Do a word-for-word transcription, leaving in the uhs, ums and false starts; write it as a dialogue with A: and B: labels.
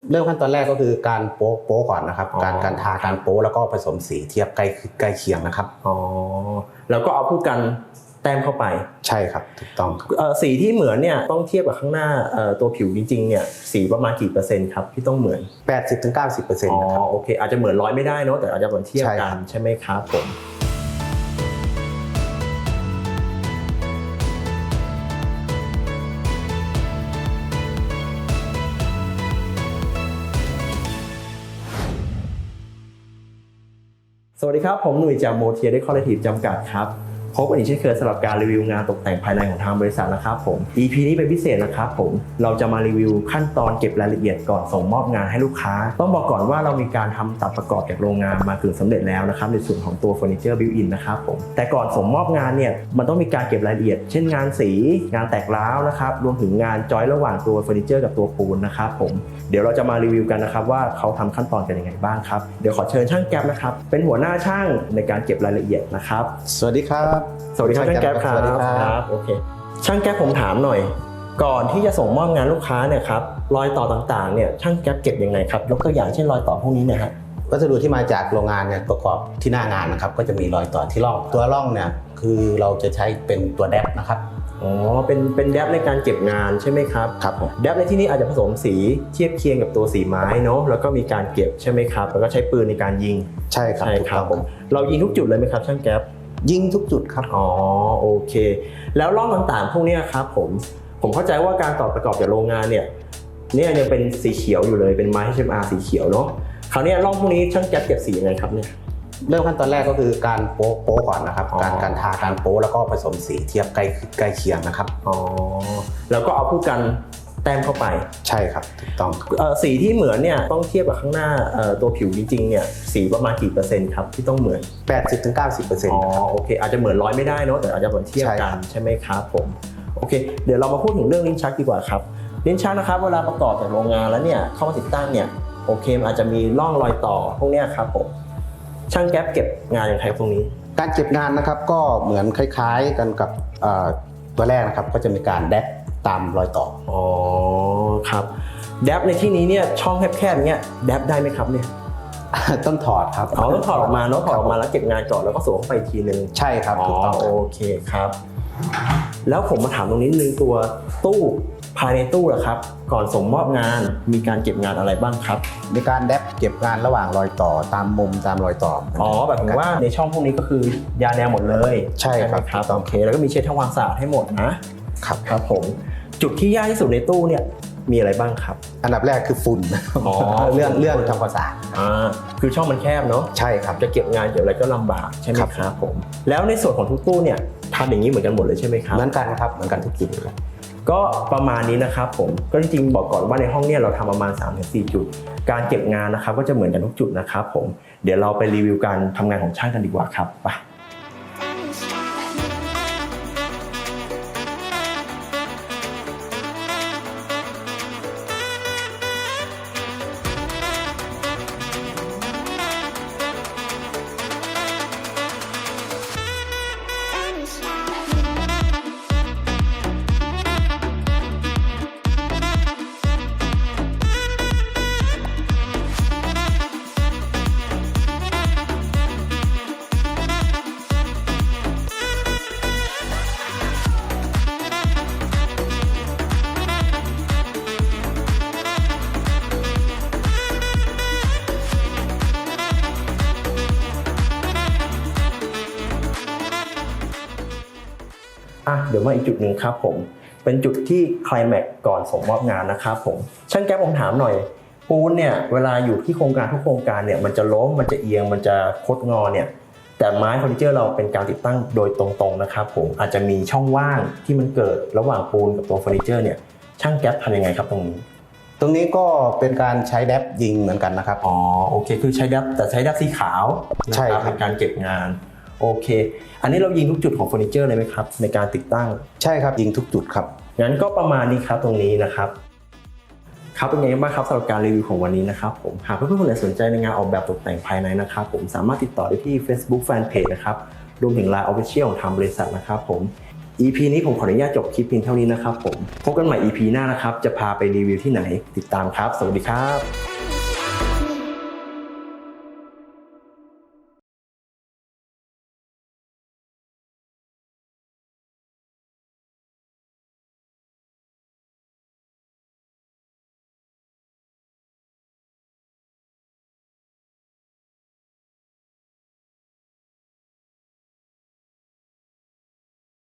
A: เริ่มขั้นตอนแรกก็คือการโป๊ะโป๊ะก่อนนะครับการการทาการโป๊ะแล้วก็ผสมสีเทียบใกล้ใกล้เคียงนะครับ
B: อ๋อแล้วก็เอาผู้กันแต้มเข้าไป
A: ใช่ครับถูกต้องครับ
B: สีที่เหมือนเนี่ยต้องเทียบกับข้างหน้าตัวผิวจริงๆเนี่ยสีประมาณกี่เปอร์เซ็นต์ครับที่ต้องเหมือน
A: แปดสิบถึงเก้าสิบเปอร์เซ็นต์
B: อ๋อ
A: ครับ
B: โอเคอาจจะเหมือนร้อยไม่ได้เนาะแต่อาจจะเหมือนเทียบกันใช่ไหมครับผมสวัสดีครับผมหนุ่ยจากโมเทียได้คอลเลกทีฟจำกัดครับพบกันอีกเช่นเคยสำหรับการรีวิวงานตกแต่งภายในของทางบริษัทนะครับผม อี พี นี้เป็นพิเศษนะครับผมเราจะมารีวิวขั้นตอนเก็บรายละเอียดก่อนส่งมอบงานให้ลูกค้าต้องบอกก่อนว่าเรามีการทำตัดประกอบจากโรงงานมากึ่งสำเร็จแล้วนะครับในส่วนของตัวเฟอร์นิเจอร์บิวอินนะครับผมแต่ก่อนส่งมอบงานเนี่ยมันต้องมีการเก็บรายละเอียดเช่นงานสีงานแตกร้าวนะครับรวมถึงงานจอยระหว่างตัวเฟอร์นิเจอร์กับตัวปูนนะครับผมเดี๋ยวเราจะมารีวิวกันนะครับว่าเขาทำขั้นตอนกันยังไงบ้างครับเดี๋ยวขอเชิญช่างแก๊ปนะครับเป็นหัวหน้าช่างในการเก็บรายละเอียดนะครับ
A: สวัสดีครับ
B: สวัสดีครับช่างแก๊ปครับ
A: สวัสดีครับ
B: โอเคช่างแก๊ปผมถามหน่อยก่อนที่จะส่งมอบงานลูกค้าเนี่ยครับรอยต่อต่างๆเนี่ยช่างแก๊ปเก็บยังไงครับยกตัวอย่างเช่นรอยต่อพวกนี้นะฮะ
A: วัสดุที่มาจากโรงงานเนี่ยประกอบที่หน้างานนะครับก็จะมีรอยต่อที่ร่องตัวร่องเนี่ยคือเราจะใช้เป็นตัวแดปนะครับ
B: อ๋อเป็นเป็นแดปในการเก็บงานใช่ไหมครับ
A: ครับผม
B: แดปในที่นี้อาจจะผสมสีเทียบเคียงกับตัวสีไม้เนาะแล้วก็มีการเก็บใช่ไหมครับแล้วก็ใช้ปืนในการยิง
A: ใช่ครับ
B: ใช่ครับผมเรายิงทุกจุดเลยไหมครับช่างแก๊ป
A: ยิงทุกจุดครับ
B: อ๋อโอเคแล้วร่องต่างๆพวกนี้ครับผมผมเข้าใจว่าการต่อประกอบจากโรงงานเนี่ยเนี่ยยังเป็นสีเขียวอยู่เลยเป็นไม้ เอช เอ็ม อาร์ สีเขียวเนาะคราวนี้ร่องพวกนี้ช่างแก๊ปเก็บสียังไงครับเนี่ย
A: เริ่มขั้นตอนแรกก็คือการโป๊ะโป๊ะก่อนนะครับการการทาการโป๊ะแล้วก็ผสมสีเทียบใกล้ใกล้เคียงนะครับ
B: อ๋อแล้วก็เอาผู้กันแต้มเข้าไป
A: ใช่ครับถูกต้อง
B: สีที่เหมือนเนี่ยต้องเทียบกับข้างหน้าตัวผิวจริงๆเนี่ยสีประมาณกี่เปอร์เซ็นต์ครับที่ต้องเหมือน
A: แปดสิบถึงเก้าสิบเปอร์เซ็นต์
B: อ๋อโอเคอาจจะเหมือนร้อยไม่ได้เนาะแต่อาจจะเหมือนเทียบกันใช่ไหมครับผมโอเคเดี๋ยวเรามาพูดถึงเรื่องลิ้นชักดีกว่าครับลิ้นชักนะครับเวลาประกอบจากโรงงานแล้วเนี่ยเข้ามาติดตั้งเนี่ยโอเคอาจจะมีร่องรอยต่อพวกนี้ครับผมช่างแก๊ปเก็บงานอย่างไรตรงนี้
A: การเก็บงานนะครับก็เหมือนคล้ายๆกันกับตัวแรกนะครับก็จะมีการแดปตามรอยต่อ
B: อ๋อครับแดปในที่นี้เนี่ยช่องแคบๆเนี้ยแดปได้ไหมครับเนี่ย
A: ต้องถอดครับ
B: อ๋อต้องถอดออกมาเนาะถอดออกมาแล้วเก็บงานก่อนแล้วก็สวมไปอีกทีนึง
A: ใช่ครับถูกต้อง
B: โอเคครับแล้วผมมาถามตรงนี้นึงตัวตู้ภายในตู้ล่ะครับก่อนส่งมอบงานมีการเก็บงานอะไรบ้างครับ
A: มีการแดปเก็บงานระหว่างรอยต่อตามมุมตามรอยต่อ
B: อ๋อแบบว่าในช่องพวกนี้ก็คือยาแนวหมดเลย
A: ใช่ครับ
B: ครับโอเคแล้วก็มีเช็ดทำความสะอาดให้หมดนะครับครับผมจุดที่ยากที่สุดในตู้เนี่ยมีอะไรบ้างครับ
A: อันดับแรกคือฝุ่น
B: อ๋อ
A: เรื่องเรื่องทำความสะอาด
B: อ่าคือช่องมันแคบเนาะ
A: ใช่ครับ
B: จะเก็บงานเก็บอะไรก็ลำบากใช่ไหมครับผมแล้วในส่วนของทุกตู้เนี่ยทำอย่างนี้เหมือนกันหมดเลยใช่ไหมครับ
A: เหมือนกันครับเหมือนกันทุกจุดเลย
B: ก็ประมาณนี้นะครับผมก็จริงๆบอกก่อนว่าในห้องเนี่ยเราทำประมาณ สามถึงสี่ จุดการเก็บงานนะครับก็จะเหมือนกันทุกจุดนะครับผมเดี๋ยวเราไปรีวิวการทำงานของช่างกันดีกว่าครับไปเดี๋ยวมาอีกจุดหนึ่งครับผมเป็นจุดที่ไคลแม็กซ์ก่อนส่งมอบงานนะครับผมช่างแก๊ปผมถามหน่อยปูนเนี่ยเวลาอยู่ที่โครงการทุกโครงการเนี่ยมันจะล้มมันจะเอียงมันจะคดงอเนี่ยแต่ไม้เฟอร์นิเจอร์เราเป็นการติดตั้งโดยตรงๆนะครับผมอาจจะมีช่องว่างที่มันเกิดระหว่างปูนกับตัวเฟอร์นิเจอร์เนี่ยช่างแก๊ปทำยังไงครับตรงนี้
A: ตรงนี้ก็เป็นการใช้แดปยิงเหมือนกันนะครับ
B: อ๋อโอเคคือใช้แดปแต่ใช้แดปสีขาว
A: ใช่ครับ
B: เป็นการเก็บงานโอเคอันนี้เรายิงทุกจุดของเฟอร์นิเจอร์เลยไหมครับในการติดตั้ง
A: ใช่ครับยิงทุกจุดครับ
B: งั้นก็ประมาณนี้ครับตรงนี้นะครับครับเป็นไงบ้างครับสำหรับการรีวิวของวันนี้นะครับผมหากเพื่อนๆคนไหนสนใจในงานออกแบบตกแต่งภายในนะครับผมสามารถติดต่อได้ที่ Facebook Fanpage นะครับรวมถึง ไลน์ Official ของทางบริษัทนะครับผมอี พี นี้ผมขออนุญาตจบคลิปเพียงเท่านี้นะครับผมพบกันใหม่ อี พี หน้านะครับจะพาไปรีวิวที่ไหนติดตามครับสวัสดีครับ